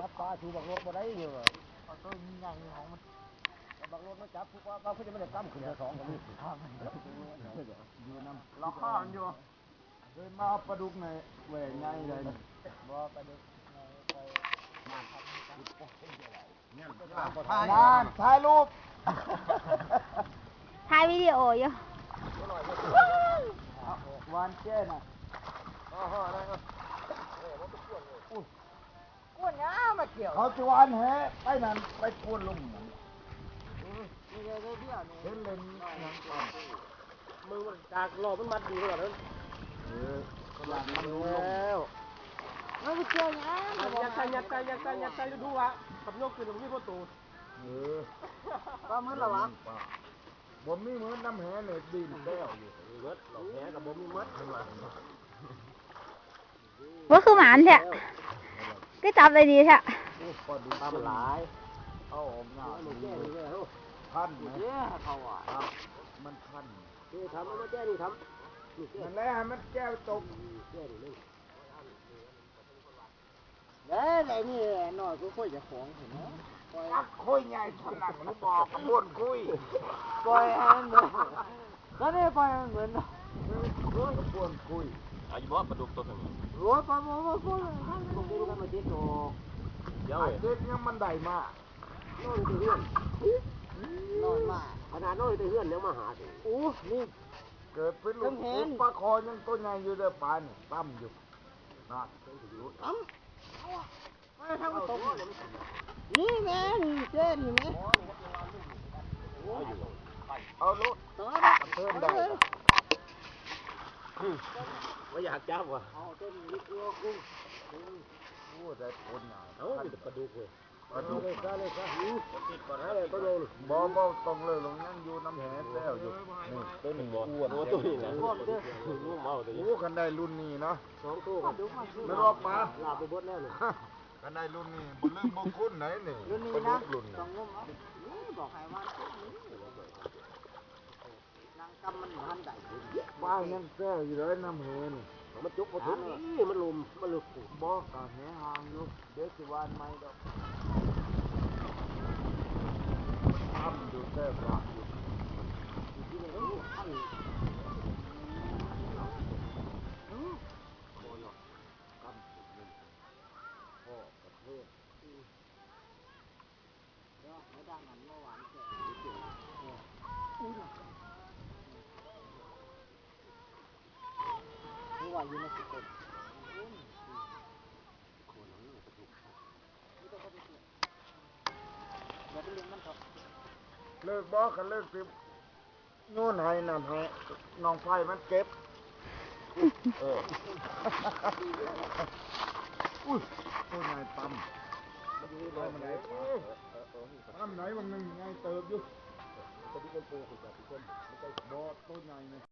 ปลาชูบักรถบ่ได้อยู่เอาตัวใหญ่ของมันบักรถมันจับผู้ปลาเขาจะไม่ได้กั้มขึ้นสองกับนี่อยู่น้ำเราข้ามอยู่เคยมาปลาดุกในแหวงไงเลยบ่ปลาดุกในไปมาทำงานถ่ายรูปถ่ายวิดีโออยู่วันเจ้น่ะก้วนน้ำมาเกี่ยวเขาจะวันแฮไปนั่นไปก้วนลงเห็นเล่นยังก่อนมือมันจากหลอกมันมัดดีกว่านั้นหลังมันแล้วมันเกี่ยวยัดดูวะกับโยกขึ้นตรงนี้ประตูก็มือละวะบ่มีมือน้ำแหเนี่ยดีแก้วอยู่เบิดหลอกแหกับบ่มีมัดขึ้นมาว่าคือหมานแท้ก็จับได้ดีแท้ปลาดุกมันหลายเอาออกหน้าพันไหมเขาอ่ะมันพันนี่ทำมันแก้นี่ทำมันแล้วมันแก้วตกแล้วนี่หน่อยก็ค่อยจะของเห็นไหมคุยใหญ่ถนัดมันบอกกระบวนคุยปล่อยอันเหมือนก็ได้ปล่อยเหมือนกระบวนคุยอายุว่าปลาดุกตัวนึงรัวปลาหมูมาคุยผมดูกันมาเจ็ดโตเดี๋ยวเจ็ดยังมันได้มากนอนที่เฮือนนอนมากขนาดนอนที่เฮือนยังมาหาสิโอ้นี่เกิดเป็นลูกปลาคอยังตัวใหญ่อยู่เด้อปลาเนี่ยตั้มอยู่นะตั้มไม่ทำตกนี่แม่นี่เจ้นี่แม่เอาลูกเพิ่มได้ไม่อยากจับว่ะเอาต้นลิกลัวกุ้งโอ้แต่คนหนาเอาปลาดุกเลยปลาดุกเลยซะติดก่อนให้เลยตัวใหญ่บ่ต้องเลยลงนั่งอยู่น้ำแหนแล้วอยู่นี่ตัวหนึ่งอ้วนตัวนี้นะงูเมาตัวนี้กันได้รุ่นนี้เนาะสองตัวไม่รอปลาลาไปบดแล้วเลยกันได้รุ่นนี้บุญเรื่องบุญคุณไหนนี่รุ่นนี้นะต้องงมบอกให้มันนางกำมันหันได้ปลายังแก้อยู่เลยน้ำแหนมันจุกมันนี่มันลุมมันลุกบ่กะแหห่างอยู่เด็กสิวานไม่ดอกทำอยู่แท้ปลาอยู่ที่ไหนท่านว่าอยู่ในสุดเลิกบอกกันเลิกสินู่นให้นั่นให้น้องไฟมันเก็บอุ้ยตัวใหญ่ปั๊มปั๊มไหนบางหนึ่งไงเติบอยู่ตัวนี้เป็นปูขุดแบบทุกคนไม่ใช่บอตัวใหญ่เนี่ย